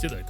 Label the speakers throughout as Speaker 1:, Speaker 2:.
Speaker 1: Сідайте.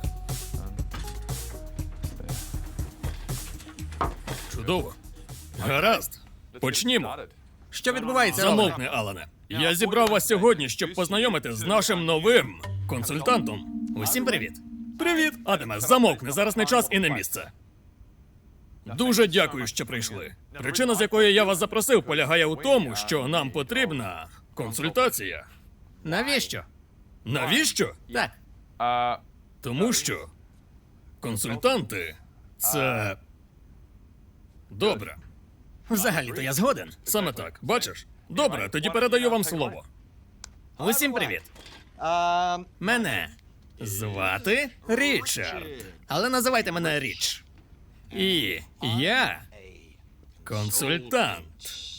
Speaker 1: Чудово. Гаразд. Почнімо.
Speaker 2: Що відбувається, Роване?
Speaker 1: Замовкни, Алане. Я зібрав вас сьогодні, щоб познайомити з нашим новим консультантом.
Speaker 2: Усім привіт.
Speaker 1: Привіт! Адаме, замовкни, зараз не час і не місце. Дуже дякую, що прийшли. Причина, з якої я вас запросив, полягає у тому, що нам потрібна консультація.
Speaker 2: Навіщо?
Speaker 1: Навіщо?
Speaker 2: Так.
Speaker 1: Тому що консультанти — це добре.
Speaker 2: Взагалі-то я згоден.
Speaker 1: Саме так. Бачиш? Добре, тоді передаю вам слово.
Speaker 2: Усім привіт. Мене звати Річард. Але називайте мене Річ. І я
Speaker 1: Консультант.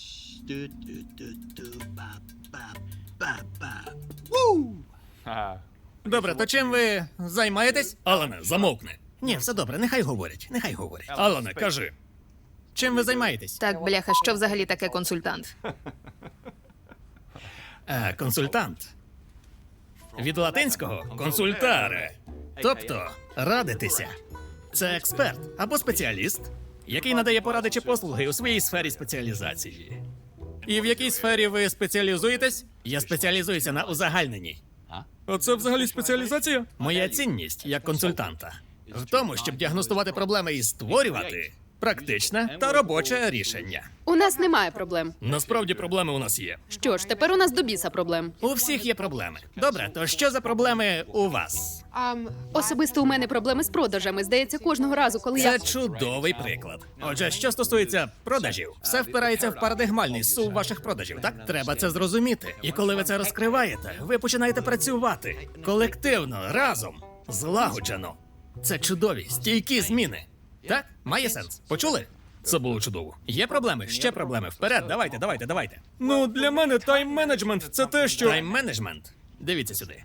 Speaker 2: Добре, то чим ви займаєтесь?
Speaker 1: Алане, замовкни.
Speaker 2: Ні, все добре, нехай говорять. Нехай говорять.
Speaker 1: Алане, кажи.
Speaker 2: Чим ви займаєтесь?
Speaker 3: Так, бляха, що взагалі таке консультант?
Speaker 2: Консультант. Від латинського консультаре. Тобто радитися. Це експерт або спеціаліст, який надає поради чи послуги у своїй сфері спеціалізації. І в якій сфері ви спеціалізуєтесь? Я спеціалізуюся на узагальненні.
Speaker 1: А це взагалі спеціалізація?
Speaker 2: Моя цінність як консультанта в тому, щоб діагностувати проблеми і створювати практичне та робоче рішення.
Speaker 3: У нас немає проблем.
Speaker 1: Насправді проблеми у нас є.
Speaker 3: Що ж, тепер у нас до біса проблем.
Speaker 2: У всіх є проблеми. Добре, то що за проблеми у вас?
Speaker 3: Особисто у мене проблеми з продажами. Здається, кожного разу, коли
Speaker 2: Це
Speaker 3: я...
Speaker 2: чудовий приклад. Отже, що стосується продажів, все впирається в парадигмальний сув ваших продажів, так? Треба це зрозуміти. І коли ви це розкриваєте, ви починаєте працювати колективно, разом, злагоджено. Це чудові, стійкі зміни. Так? Має сенс. Почули?
Speaker 1: Це було чудово.
Speaker 2: Є проблеми? Ще проблеми. Вперед, давайте.
Speaker 1: Ну, для мене тайм-менеджмент — це те, що...
Speaker 2: Тайм-менеджмент. Дивіться сюди.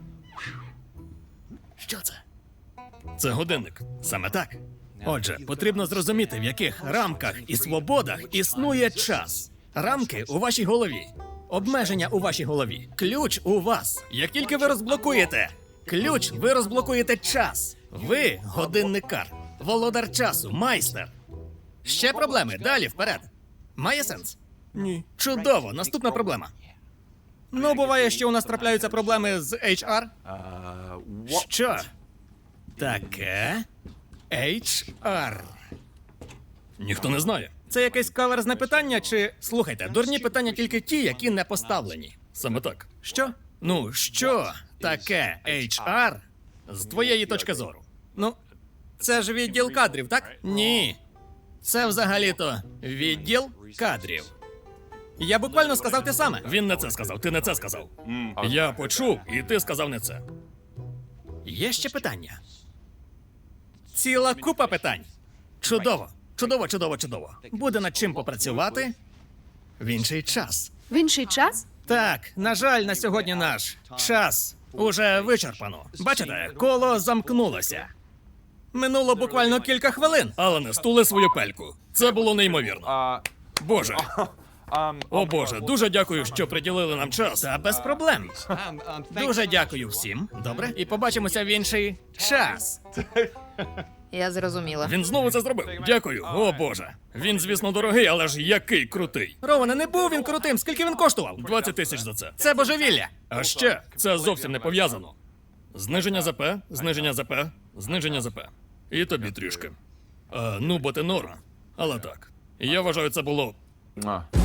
Speaker 2: Що це?
Speaker 1: Це годинник.
Speaker 2: Саме так. Отже, потрібно зрозуміти, в яких рамках і свободах існує час. Рамки у вашій голові. Обмеження у вашій голові. Ключ у вас. Як тільки ви розблокуєте ключ, ви розблокуєте час. Ви годинникар, володар часу, майстер. Ще проблеми. Далі, вперед. Має сенс?
Speaker 1: Ні.
Speaker 2: Чудово, наступна проблема. Ну, буває, що у нас трапляються проблеми з HR. Що таке HR?
Speaker 1: Ніхто не знає.
Speaker 2: Це якесь каверзне питання, чи... Слухайте, дурні питання тільки ті, які не поставлені.
Speaker 1: Саме так.
Speaker 2: Що? Ну, що таке HR з твоєї точки зору? Ну, це ж відділ кадрів, так? Ні. Це взагалі-то відділ кадрів. Я буквально сказав те саме.
Speaker 1: Він не це сказав, ти не це сказав. Я почув, і ти сказав не це.
Speaker 2: Є ще питання? Ціла купа питань. Чудово, чудово. Буде над чим попрацювати в інший час.
Speaker 3: В інший час?
Speaker 2: Так, на жаль, на сьогодні наш час уже вичерпано. Бачите, коло замкнулося. Минуло буквально кілька хвилин.
Speaker 1: Алане, стули свою пельку. Це було неймовірно. Боже. О Боже, дуже дякую, що приділили нам час.
Speaker 2: Та без проблем. Дуже дякую всім. Добре, і побачимося в інший час.
Speaker 3: Я зрозуміла.
Speaker 1: Він знову це зробив. Дякую. О Боже. Він, звісно, дорогий, але ж який крутий.
Speaker 2: Роване, не був він крутим. Скільки він коштував?
Speaker 1: 20 тисяч за це.
Speaker 2: Це божевілля.
Speaker 1: А ще це зовсім не пов'язано. Зниження ЗП, зниження ЗП, зниження ЗП. І тобі трішки. Ну, бо ти норм. Але так. Я вважаю, це було